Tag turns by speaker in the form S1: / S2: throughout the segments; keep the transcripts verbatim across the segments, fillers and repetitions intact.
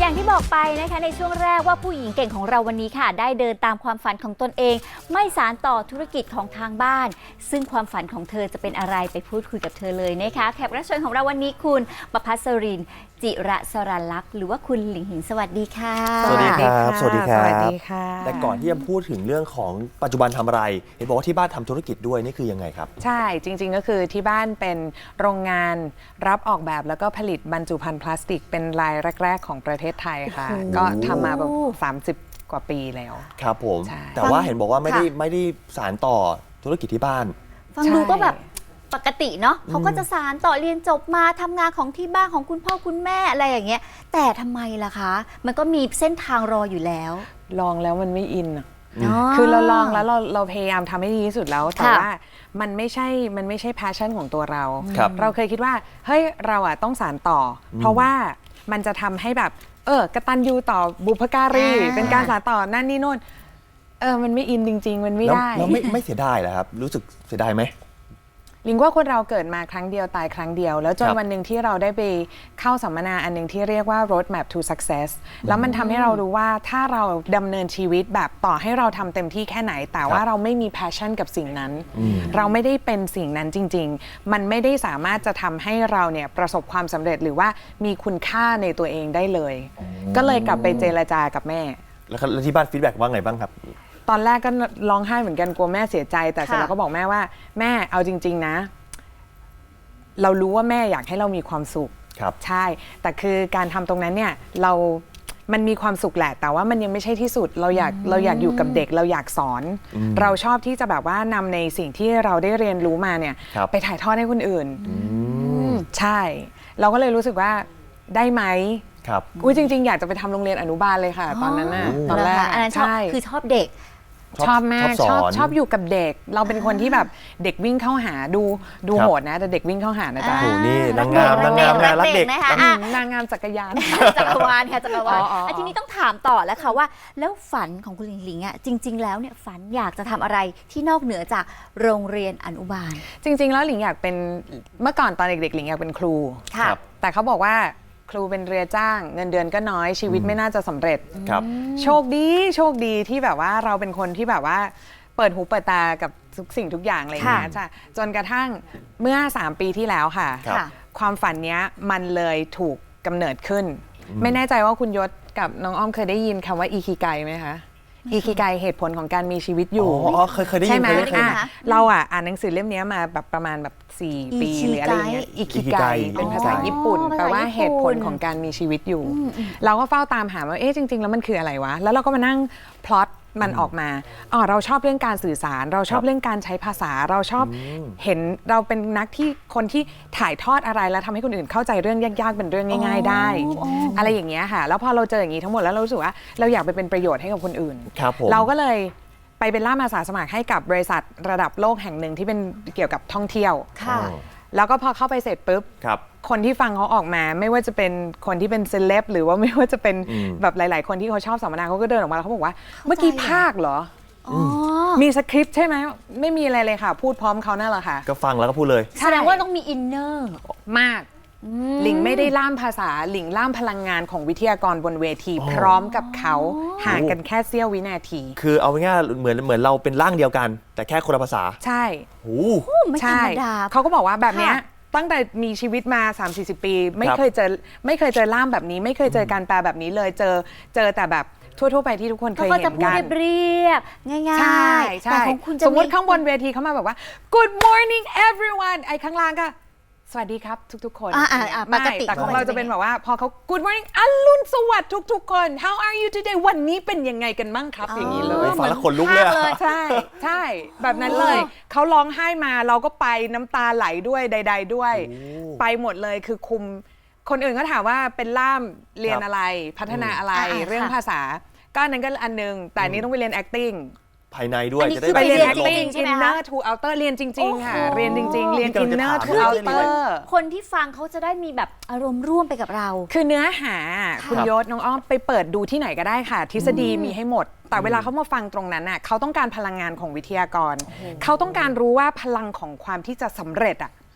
S1: อย่างที่บอกไปนะคะในช่วงแรกว่าผู้หญิงเก่งของเราวันนี้ค่ะได้เดินตามความฝันของตนเองไม่สานต่อธุรกิจของทางบ้านซึ่งความฝันของเธอจะเป็นอะไรไปพูดคุยกับเธอเลยนะคะแขกรับเชิญของเราวันนี้คุณประภัสรินจิระสรันลักษณ์หรือว่าคุณหลิงหินสวัสดีค่ะ
S2: สวัสดีครับสวัสดีครับ
S3: สวัสดีค่ะ
S2: แต่ก่อนที่จะพูดถึงเรื่องของปัจจุบันทำอะไรเห็นบอกว่าที่บ้านทำธุรกิจด้วยนี่คือยังไงครับ
S3: ใช่จริงๆก็คือที่บ้านเป็นโรงงานรับออกแบบแล้วก็ผลิตบรรจุภัณฑ์พลาสติกเป็นรายแรกๆของประเทศไทยค่ะก็ทำมาแบบสามสิบกว่าปีแล้ว
S2: ครับผมแต่ว่าเห็นบอกว่าไม่ได้ไม่ได้สานต่อธุรกิจที่บ้าน
S1: ฟังดูก็แบบปกติเนาะเขาก็จะสานต่อเรียนจบมาทำงานของที่บ้านของคุณพ่อคุณแม่อะไรอย่างเงี้ยแต่ทำไมล่ะคะมันก็มีเส้นทางรออยู่แล้ว
S3: ลองแล้วมันไม่อินอะคือเราลองแล้วเราเราพยายามทำให้ดีที่สุดแล้วแต่ว่ามันไม่ใช่มันไม่ใช่ passion ของตัวเราเราเคยคิดว่าเฮ้ยเราอะต้องสานต่อเพราะว่ามันจะทำให้แบบเออกตัญญูต่อบุพการีเป็นการสานต่อนั่นนี่โน่นเออมันไม่อินจริงๆมันไม่ได้
S2: แล้วไม่ไม่เสียดายเหรอครับรู้สึกเสียดายไหม
S3: ลิงว่าคนเราเกิดมาครั้งเดียวตายครั้งเดียวแล้วจนวันหนึ่งที่เราได้ไปเข้าสัมมนาอันหนึ่งที่เรียกว่า roadmap to success แล้วมันทำให้เรารู้ว่าถ้าเราดำเนินชีวิตแบบต่อให้เราทำเต็มที่แค่ไหนแต่ว่าเราไม่มี passion กับสิ่งนั้นเราไม่ได้เป็นสิ่งนั้นจริงๆมันไม่ได้สามารถจะทำให้เราเนี่ยประสบความสำเร็จหรือว่ามีคุณค่าในตัวเองได้เลยก็เลยกลับไปเจรจากับแม่
S2: แล้วที่บ้านฟีดแบ็กว่าไงบ้างครับ
S3: ตอนแรกก็ร้องไห้เหมือนกันกลัวแม่เสียใจแต่เสร็จแล้วก็บอกแม่ว่าแม่เอาจริงๆนะเรารู้ว่าแม่อยากให้เรามีความสุขใช่แต่คือการทำตรงนั้นเนี่ยเรามันมีความสุขแหละแต่ว่ามันยังไม่ใช่ที่สุดเราอยากเราอยากอยู่กับเด็กเราอยากสอนเราชอบที่จะแบบว่านำในสิ่งที่เราได้เรียนรู้มาเนี่ยไปถ่ายทอดให้คนอื่นใช่เราก็เลยรู้สึกว่าได้ไหม
S2: ครับ
S3: อุ้ยจริงๆอยากจะไปทำโรงเรียนอนุบาลเลยค่ะตอนนั้นน่ะตอนแรก
S1: อันนั้นชอบคือชอบเด็ก
S3: ชอบมากชอบชอบอยู่กับเด็กเราเป็นคนที่แบบเด็กวิ่งเข้าหาดูดูโหดนะแต่เด็กวิ่งเข้าหานะจ๊ะ
S2: โอ้นี่นางงามนางงามนางรักเด็ก
S1: นะคะ
S3: นางงามจักรยาน
S1: จักรวาลค่ะจักรวาลทีนี้ต้องถามต่อแล้วค่ะว่าแล้วฝันของคุณหลิงหลิงอ่ะจริงๆแล้วเนี่ยฝันอยากจะทำอะไรที่นอกเหนือจากโรงเรียนอนุบาล
S3: จริงๆแล้วหลิงอยากเป็นเมื่อก่อนตอนเด็กๆหลิงอยากเป็นครูแต่เขาบอกว่าครูเป็นเรือจ้างเงินเดือนก็น้อยชีวิตไม่น่าจะสำเร็จโชคดีโชคดีที่แบบว่าเราเป็นคนที่แบบว่าเปิดหูเปิดตากับทุกสิ่งทุกอย่างอะไรอย่างเงี้ยจ้ะจนกระทั่งเมื่อสามปีที่แล้วค่ะความฝันเนี้ยมันเลยถูกกำเนิดขึ้นไม่แน่ใจว่าคุณยศกับน้องอ้อมเคยได้ยินคำว่าอิคิไกไหมคะอิคิไกเหตุผลของการมีชีวิตอยู่
S2: อ๋อเคยเคยได้ยินไหม
S3: เราอ่ะอ่านหนังสือเล่มนี้มาแบบประมาณแบบสี่ปีหรืออะไรอย่างเงี้ยอิคิไกเป็นภาษาญี่ปุ่นแปลว่าเหตุผลของการมีชีวิตอยู่เราก็เฝ้าตามหาว่าเอ๊ะจริงๆแล้วมันคืออะไรวะแล้วเราก็มานั่งพล็อตมันออกมาอ๋อเราชอบเรื่องการสื่อสารเราชอบเรื่องการใช้ภาษาเราชอบเห็นเราเป็นนักที่คนที่ถ่ายทอดอะไรแล้วทำให้คนอื่นเข้าใจเรื่องยากๆเป็นเรื่องง่ายๆได้อะไรอย่างเงี้ยค่ะแล้วพอเราเจออย่างนี้ทั้งหมดแล้วเรารู้สึกว่าเราอยากไปเป็นประโยชน์ให้กับคนอื่นเราก็เลยไปเป็นล่ามอาสาสมัครให้กับบริษัทระดับโลกแห่งหนึ่งที่เป็นเกี่ยวกับท่องเที่ยวแล้วก็พอเข้าไปเสร็จปุ๊บคนที่ฟังเขาออกมาไม่ว่าจะเป็นคนที่เป็นเซเลบหรือว่าไม่ว่าจะเป็นแบบหลายๆคนที่เขาชอบสัมมนาเขาก็เดินออกมาแล้วเขาบอกว่าเมื่อกี้ภาคเหรอมีสคริปต์ใช่ไหมไม่มีอะไรเลยค่ะพูดพร้อมเขานั่นแหละค่ะ
S2: ก็ฟังแล้วก็พูดเลย
S1: แสดงว่าต้องมีอินเนอร์
S3: มากหลิงไม่ได้ล่ามภาษาหลิงล่ามพลังงานของวิทยากรบนเวทีพร้อมกับเขาห่างกันแค่เสี้ยววินาที
S2: คือเอาง่ายๆเหมือนเหมือนเราเป็นร่างเดียวกันแต่แค่คนละภาษา
S3: ใช่
S2: โอ้
S1: ไม่ธรรมดา
S3: เขาก็บอกว่าแบบนี้ตั้งแต่มีชีวิตมา สามสี่สิบ ปีไม่เคยเจอไม่เคยเจอล่ามแบบนี้ไม่เคยเจอการแปลแบบนี้เลยเจอเจอแต่แบบทั่วๆไปที่ทุกคนเคยเห็นกันเขาก็จะ
S1: พูดเรียบง่ายๆใช่
S3: ใช่สมมติข้างบนเวทีเขามาแบบว่า Good morning everyone ไอ้ข้างล่างก็สวัสดีครับทุกๆคน
S1: ปกติ
S3: แต่ของเราจะเป็นแบบว่าพอเขา Good morning อรุณสวัสดิ์ทุกๆคน How are you today วันนี้เป็นยังไงกันบ้างครับอย่างนี้เลย
S2: ฟังแล้วขนลุกเลย
S3: ใช่ใช่แบบนั้นเลยเขาร้องไห้มาเราก็ไปน้ำตาไหลด้วยใดๆด้วยไปหมดเลยคือคุมคนอื่นก็ถามว่าเป็นล่ามเรียนอะไรพัฒนาอะไรเรื่องภาษาก็นั้นก็อันนึงแต่นี้ต้องไปเรียน acting
S2: ภายในด้วย
S3: จะได้ไปเรียน acting inner to outer เรียนจริงๆค่ะเรียนจริงๆเรียน inner to outer
S1: คนที่ฟังเขาจะได้มีแบบอารมณ์ร่วมไปกับเรา
S3: คือเนื้อหาคุณยศน้องอ้อมไปเปิดดูที่ไหนก็ได้ค่ะทฤษฎีมีให้หมดแต่เวลาเขามาฟังตรงนั้นน่ะเขาต้องการพลังงานของวิทยากรเขาต้องการรู้ว่าพลังของความที่จะสำเร็จอ่ะ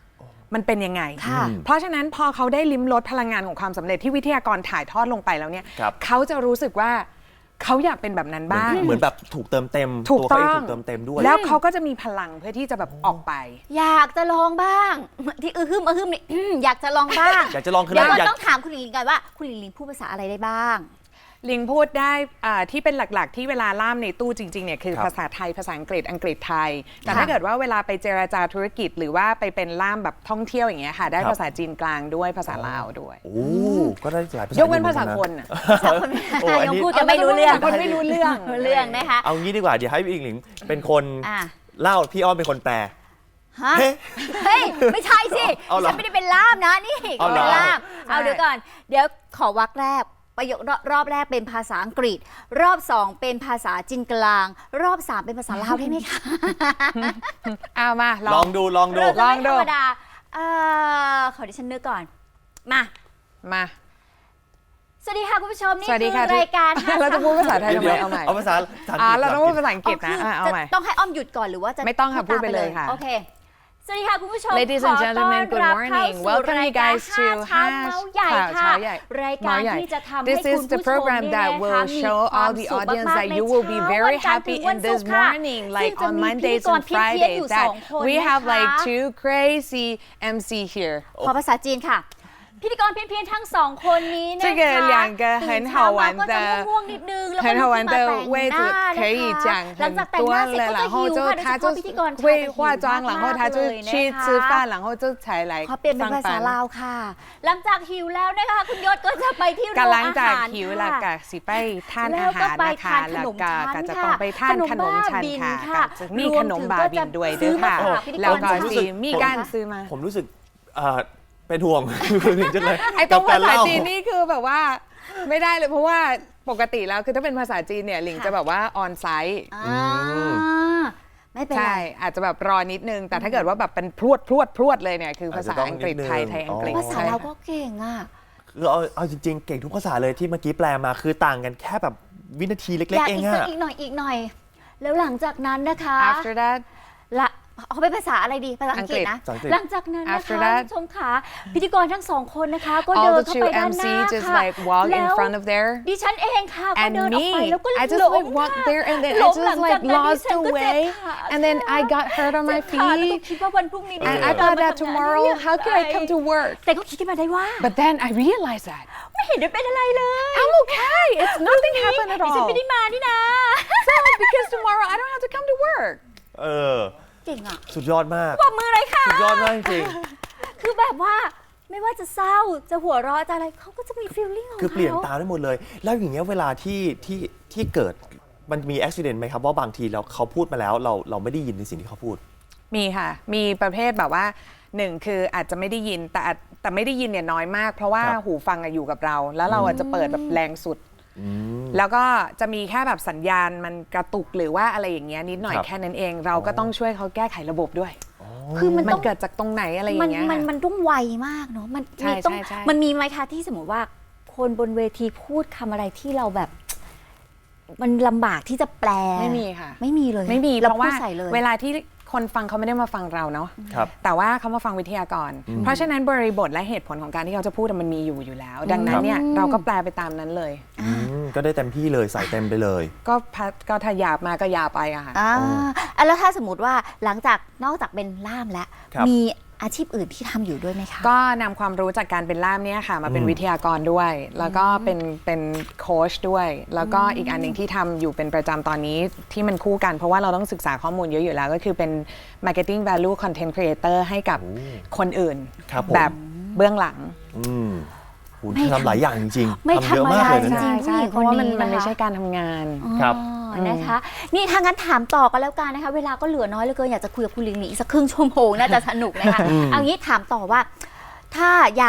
S3: มันเป็นยังไง
S1: ค่ะ
S3: เพราะฉะนั้นพอเขาได้ลิ้มรสพลังงานของความสำเร็จที่วิทยากรถ่ายทอดลงไปแล้วเนี่ย
S2: ครับ
S3: เขาจะรู้สึกว่าเขาอยากเป็นแบบนั้นบ้าง
S2: เหมือนแบบถูกเติมเต็ม
S3: ถูก
S2: ตัวเขา
S3: ต้
S2: เอ
S3: อง ง
S2: ถูกเติมเต็มด้วย
S3: แล้วเขาก็จะมีพลังเพื่อที่จะแบบออกไป
S1: อยากจะลองบ้าง ที่อือฮึมอือฮึมนี่อืมอยากจะลองบ้าง
S2: อยากจะลองคือ
S1: เดี๋ยว
S2: อะไร
S1: เรา
S2: อยาก
S1: ต้องถามคุณหลิงลิงกันว่าคุณหลิงลิงพูดภาษาอะไรได้บ้าง
S3: ลิงพูดได้อ่าที่เป็นหลักๆ ที่เวลาล่ามในตู้จริงๆเนี่ยคือ
S2: ครับ
S3: ภาษาไทยภาษาอังกฤษอังกฤษไทย แต่
S1: ค่ะ
S3: ถ้าเกิดว่าเวลาไปเจรจาธุรกิจ หรือว่าไปเป็นล่ามแบบท่องเที่ยวอย่างเงี้ยค่ะได้
S2: ครับ
S3: ภาษาจีนกลางด้วยภาษาลาวด้วย
S2: โอ้ก็ได้หลายภาษาย
S3: กเว้นภาษาคนน่ะ
S2: โอ้อัน
S1: ยัง
S2: นี้
S1: พูดกันไม่รู้เรื่อง
S3: คนไม่รู้เรื่อง
S1: รู้เรื่องนะคะ
S2: เอางี้ดีกว่าเดี๋ยวให้พี่อิงหลิงเป็นคน
S1: อ่ะ
S2: เล่าพี่อ้อมเป็นคนแปล
S1: ฮะ
S2: เฮ้
S1: เฮ้ย ไม่ใช่สิ
S2: เอาเหรอ
S1: ฉันไม่ได้เป็นล่ามนะนี่
S2: เอาเหรอ
S1: เป็นล่าม
S3: ใช่
S1: เอาเดี๋ยวก่อน เดี๋ยวขอวรรคแรกประโยครอบรอบแรกเป็นภาษาอังกฤษ รอบสองเป็นภาษาจีนกลาง รอบสามเป็นภาษาลาวได้ไหมคะ
S3: เอามาล
S2: ล
S3: อ
S2: อง งดูลองดู
S1: เราจะ
S3: ลอ
S1: ไม่
S3: งดู
S1: ธรรมดาเอ่อขอดิฉันนึกก่อน มา
S3: มา
S1: สวัสดีค่ะคุณผู้ชมนี่
S3: สวัสดี
S1: คื
S3: ค่ะ
S1: อรายการห้
S3: เราจะพูดภาษาไทยทำไม
S2: เดี๋ยว
S3: เอาใหม่
S2: เอาภาษาภาษา
S3: อ่า
S2: อังกฤษ
S3: เราต้องพูดภาษาอังกฤษ
S1: อ๋อ
S3: นะ
S1: คือ
S3: อ่ะเอา
S1: จะ
S3: ใหม่
S1: ต้องให้อ้อมหยุดก่อนหรือว่าจะ
S3: ไม่ต้องค่ะ
S1: พูด
S3: พูดไปเลยค่ะ
S1: โอเค สวัสดีค่ะคุณผู้ชม
S3: Ladies
S1: ข
S3: and
S1: อ
S3: gentlemen,
S1: ต้อน
S3: good
S1: รับ
S3: morning.
S1: เข้าสู่
S3: Welcome
S1: ราย
S3: you
S1: การ
S3: guys
S1: ห้า
S3: to
S1: เช้าเมาส์ใหญ่
S3: ข่าว
S1: ค่ะ
S3: เช้าใหญ่
S1: รายการที่จะทำให้
S3: This
S1: คุณ
S3: is
S1: ผู้ช
S3: the
S1: ม
S3: program
S1: เนี่ย
S3: that
S1: นะคะ
S3: will
S1: มี
S3: show
S1: ควา
S3: all
S1: ม
S3: the
S1: สุข
S3: audience
S1: มาก
S3: that
S1: ๆใน
S3: you will be
S1: เช้า
S3: very
S1: วันจันทร์ถึ
S3: happy
S1: งวัน
S3: in
S1: ศุ
S3: this
S1: กร์ค่ะ
S3: morning,
S1: ซึ่ง
S3: like
S1: จะ
S3: on
S1: มีพิธี
S3: Mondays
S1: กร
S3: and
S1: เพี้ยนๆ
S3: Fridays.
S1: อยู่ส
S3: That
S1: องคน
S3: we
S1: นะ
S3: have
S1: คะ
S3: like two crazy เอ็ม ซี here.
S1: ขอภาษาจีนค่ะ พิธีกรเพี้ยนๆทั้งสองคนนี้นะคะ
S3: 这个两个很
S1: ตื่น
S3: 好
S1: เช้ามา
S3: 玩
S1: ก็จะ
S3: 的
S1: ง่วงๆนิดนึงแล้วก็
S3: 很
S1: ลุ
S3: 好
S1: ก
S3: 玩
S1: ขึ้นมา
S3: 的
S1: แต่ง
S3: 位
S1: ห
S3: 置
S1: น้า
S3: 可以
S1: นะคะ
S3: 讲
S1: หลัง
S3: 很
S1: จากแต่ง
S3: 多
S1: หน้าเสร็จ
S3: 了，
S1: ก็
S3: 然
S1: จะ
S3: 后
S1: หิว
S3: 就
S1: ค่ะโดย
S3: 他
S1: เฉ
S3: 就
S1: พาะพิธีกรชาย
S3: 会
S1: จะหิว
S3: 化妆，然后
S1: มากๆ
S3: 他就
S1: เลย
S3: 去
S1: นะคะ
S3: 吃饭，然后就才来
S1: ขอเปลี่ยนเป็น
S3: 上
S1: ภาษา
S3: 班
S1: ลาวค่ะ หลังจากหิวแล้วนะคะคุณยศก็จะไปที่โรง
S3: กำลัง
S1: อา
S3: จาก
S1: หาร
S3: หิวแล้ว
S1: ค่ะ
S3: ก็สิไปทาน
S1: แล้
S3: อาว
S1: ก็
S3: หาร
S1: ไป
S3: นะคะ
S1: ทานข
S3: แล้ว
S1: นม
S3: ก็
S1: ชั้น
S3: ก็จะ
S1: ค่ะ
S3: ต้องไปทานขนมชั้น
S1: ขนมบ้าบิน
S3: ค่ะ
S1: ค่ะ
S3: ก็จะมีขนมบาบินด้วยเด้อค่ะ
S1: รวมถึงก็จะซื้อมาฝากพิธีกร
S3: แล้วก็
S1: ชาย
S3: สิมีการซื้อมา
S2: ผมรู้สึกเอ่อเป็นห่วง คุณหลิงจังเลย
S3: ไอ้ตรงภาษา
S2: กับกเล่
S3: จีนนี่คือแบบว่าไม่ได้เลยเพราะว่าปกติแล้วคือถ้าเป็นภาษาจีนเนี่ยหลิงจะแบบว่าออนไซต์
S1: อ่าไม่เป็นไร
S3: ใช่อาจจะแบบรอนิดนึง แต่ถ้าเกิดว่าแบบเป็นพรวดพรวดพรวดเลยเนี่ยคือภาษาอังกฤษไทยไทยอังกฤษ
S1: ภาษา
S3: ใช่
S1: เรา
S3: ค่ะ
S1: ก็เก่งอ่ะ
S2: คือเอาเอาจริงๆ เก่งทุกภาษาเลยที่เมื่อกี้แปลมาคือต่างกันแค่แบบวินาทีเล็ก
S1: อยาก
S2: ๆ เอง
S1: อีกสัก
S2: อะ
S1: อีกหน่อยอีกหน่อย แล้วหลังจากนั้นนะคะ
S3: after that
S1: ละเอาเป็นภาษาอะไรดีภาษาอังกฤษนะ
S2: ภาษาอังกฤษ
S1: หลังจากนั้นนะคะ
S3: After
S1: คุ
S3: that
S1: ณผู้ชมขาพิธีกรทั้งสองคนนะคะก็
S3: all
S1: เดิน
S3: the
S1: เข้า
S3: two
S1: ไปด้าน
S3: เอ็ม
S1: ห
S3: ซี
S1: น้า
S3: just
S1: ค่ะ
S3: like walk in
S1: แล้ว
S3: front of there
S1: ดิฉันเองค่ะก็
S3: and
S1: เดินออก
S3: me
S1: ไปแล้วก็
S3: I just
S1: หลง
S3: like walked
S1: ค่ะ
S3: there and then
S1: หล
S3: I
S1: งหลั
S3: just
S1: งจาก
S3: like
S1: นั้นดิ
S3: lost
S1: ฉัน
S3: the
S1: ก็เจ็บ
S3: way
S1: ขา
S3: and then I got hurt on
S1: เจ็
S3: my
S1: บขาแล้วก็
S3: feet
S1: คิดว่าวันพรุ่งนี้ดิ
S3: and
S1: ฉั
S3: I
S1: นจะ
S3: thought
S1: มา
S3: that
S1: ทำงานได้
S3: tomorrow
S1: ยัง
S3: how could I
S1: ไง
S3: come to work
S1: แต่ก็คิดขึ้นมาได้ว่า
S3: but then I realized that
S1: ไม่เห็นได้เป็นอะไรเลย
S3: I'm okay it's nothing happened at
S1: ดิฉัน
S3: all
S1: ไม่ได้มานี่นะ
S3: so because tomorrow I don't have to come to work
S2: เออ
S1: เก่งอ่ะ
S2: สุดยอดมาก
S1: ปรบมือเลยค่ะ
S2: สุดยอดมากจริง
S1: คือแบบว่าไม่ว่าจะเศร้าจะหัวเราะจะอะไรเขาก็จะมีฟีลลิ่งของ
S2: ๆ
S1: เขา
S2: คือเปลี่ยนตามได้หมดเลย แล้วอย่างเงี้ยเวลาที่ที่ที่เกิดมันมีอุบิเหตุไหมครับว่าบางทีเราเขาพูดมาแล้วเราเราไม่ได้ยินในสิ่งที่เขาพูด
S3: มีค่ะ มีประเภทแบบว่าหนึ่งคืออาจจะไม่ได้ยินแต่อาจแต่ไม่ได้ยินเนี่ยน้อยมาก เพราะว่า
S2: ครับ
S3: หูฟังอะอยู่กับเรา แล้วเราอาจจะเปิดแบบแรงสุด
S2: อืม
S3: แล้วก็จะมีแค่แบบสัญญาณมันกระตุกหรือว่าอะไรอย่างเงี้ยนิดหน่อย
S2: ครับ
S3: แค่นั้นเอง เราก็ต้องช่วยเขาแก้ไขระบบด้วย
S1: คือมัน
S3: มั
S1: ต้
S3: น
S1: อง
S3: เกิดจากตรงไหนอะไรอ
S1: มัน
S3: ย่างเงี้ย
S1: มัน
S3: ค่ะ
S1: มันต้องไวมากเนาะมัน
S3: ใช่
S1: มีต้อง
S3: ใช่ใช่
S1: มันมีไหมคะที่สมมติว่าคนบนเวทีพูดคำอะไรที่เราแบบ มันลำบากที่จะแปล
S3: ไม่มีค่ะ
S1: ไม่มีเลย
S3: ไม่มี
S1: เรา
S3: เพราะ
S1: พู
S3: ว่า
S1: ดใส่เลย
S3: เวลาที่คนฟังเขาไม่ได้มาฟังเราเนาะ
S2: ครับ
S3: แต่ว่าเขามาฟังวิทยากร เพราะฉะนั้นบริบทและเหตุผลของการที่เขาจะพูดอะมันมีอยู่อยู่แล้ว ดังนั้นเนี่ยเราก็แปลไปตามนั้นเลย
S2: อืมก็ได้เต็มที่เลยใส่เต็มไปเลย
S3: ก็พัดก็ถ้าหยาบมาก็หยาบไปอะค่ะ
S1: อ่าอ่ะแล้วถ้าสมมติว่าหลังจากนอกจากเป็นล่ามแล้ว
S2: ครับ
S1: มีอาชีพอื่นที่ทำอยู่ด้วยไหมคะ
S3: ก็นำความรู้จากการเป็นล่ามเนี่ยค่ะ มาเป็น
S2: อืม
S3: วิทยากรด้วย แล้วก็เป็นเป็นโค้ชด้วย แล้วก็อีกอันหนึ่งที่ทำอยู่เป็นประจำตอนนี้ที่มันคู่กัน เพราะว่าเราต้องศึกษาข้อมูลเยอะอยู่แล้ว ก็คือเป็น marketing value content creator ให้กับคนอื่น
S2: ครับผม
S3: แบบเบื้องหลัง
S2: อืมโห
S1: ไม่
S2: ทำหลายอย่างจริง
S1: ไม่
S2: ๆทำเยอะมากเลย
S1: ธรรมดาจริ
S2: นะ
S1: ง
S2: เนี่ย
S3: ใช่
S1: ผู้หญิง
S3: เพราะว่ามัน
S1: คนนี้
S3: มันไม่
S1: นะคะ
S3: ใช่การทำงาน
S2: ครับ
S1: อ๋อนะคะ นี่ทางนั้นถามต่อกันแล้วกันนะคะ เวลาก็เหลือน้อยเหลือเกินอยากจะคุยกับคุณลิงหลีอีกสักครึ่งชั่วโมงน่าจะสนุกนะคะ
S2: อืม
S1: เอางี้ถามต่อว่า ถ้าอยากจะ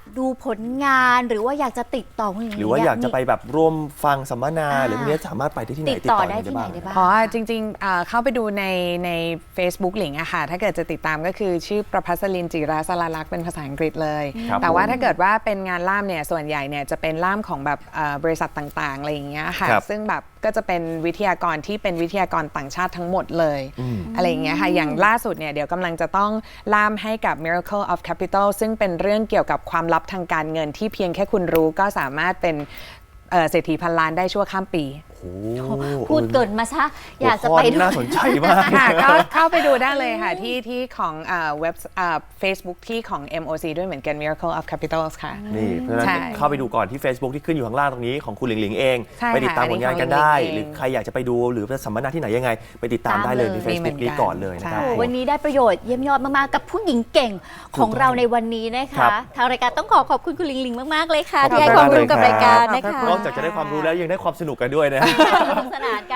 S1: ดูผลงานหรือว่าอยากจะติดต่อคุณหลิง
S2: หรือว่าอยากจะไปแบบร่วมฟังสัมมนา
S1: อ่า
S2: หรือพวกนี้สามารถไปได้ที่ไหน
S1: ติดต่อได้ที่ไหน
S2: ยังง
S1: ได้บ้าง
S3: เพราะจริงๆเอ่อเข้าไปดูในใน Facebook หลิงอะค่ะถ้าเกิดจะติดตามก็คือชื่อประภัสลินจิราสลาลักษณ์เป็นภาษาอังกฤษเลย
S2: ครับ
S3: แต่ว่า
S2: ผม
S3: ถ้าเกิดว่าเป็นงานล่ามเนี่ยส่วนใหญ่เนี่ยจะเป็นล่ามของแบบเอ่อบริษัทต่างๆอะไรอย่างเงี้ยค่ะ
S2: ครับ
S3: ซึ่งแบบก็จะเป็นวิทยากรที่เป็นวิทยากรต่างชาติทั้งหมดเลย
S2: อืม
S3: อะไรอย่างเงี้ยค่ะอย่างล่าสุดเนี่ยเดี๋ยวกำลังจะต้องล่ามให้กับ Miracle of Capital ซึ่งเป็นเรื่องเกี่ยวกับความลับทางการเงินที่เพียงแค่คุณรู้ก็สามารถเป็นเอ่อเศรษฐีพันล้านได้ชั่วข้ามปี
S2: โอ้โห
S1: พูดเกินมาซะอยากจะไป
S2: หัวข้
S1: ด้วย
S2: น่าสนใจมาก
S3: ค่ะก็เข้าไปดูได้เลยค่ะ ที่ที่ของเอ่อเว็บเอ่อ Facebook ที่ของ เอ็ม โอ ซี ด้วยเหมือนกัน Miracle of Capitals ค่ะ
S2: นี่เพราะฉะนั้น
S3: ใช่
S2: เข้าไปดูก่อนที่ Facebook ที่ขึ้นอยู่ข้างล่างตรงนี้ของคุณหลิงหลิงเอง
S3: ใช่
S2: ไปติดตาม
S3: ค่ะ
S2: ผลงานกัน
S3: อันนี้ของ
S2: ได้
S3: หลิงหลิง
S2: หรือใครอยากจะไปดูหรือไปสัมมนาที่ไหนยังไง ไปติดตาม
S1: ตาม
S2: ได้เลย
S1: เลย
S2: ใน Facebook
S3: มีเหมือนกัน
S2: นี้ก่อนเลยนะครับ
S3: ใช่
S1: วันนี้ได้ประโยชน์เยี่ยมยอดมากๆกับผู้หญิงเก่งของเราในวันนี้นะ
S2: ครั
S1: คะ
S2: บ
S1: ทางรายการต้องขอขอบคุณคุณหลิงหลิงมากๆเลยค่ะ
S2: ขอบคุณ
S1: ที่ให้ความรู้กับ
S2: มากเลย
S1: รายการ
S2: ครับ
S1: นะคะ
S2: นอกจากจะได้ความรู้แล้วยังได้ความสนุกกันด้วยนะ
S1: สนุกสนานกัน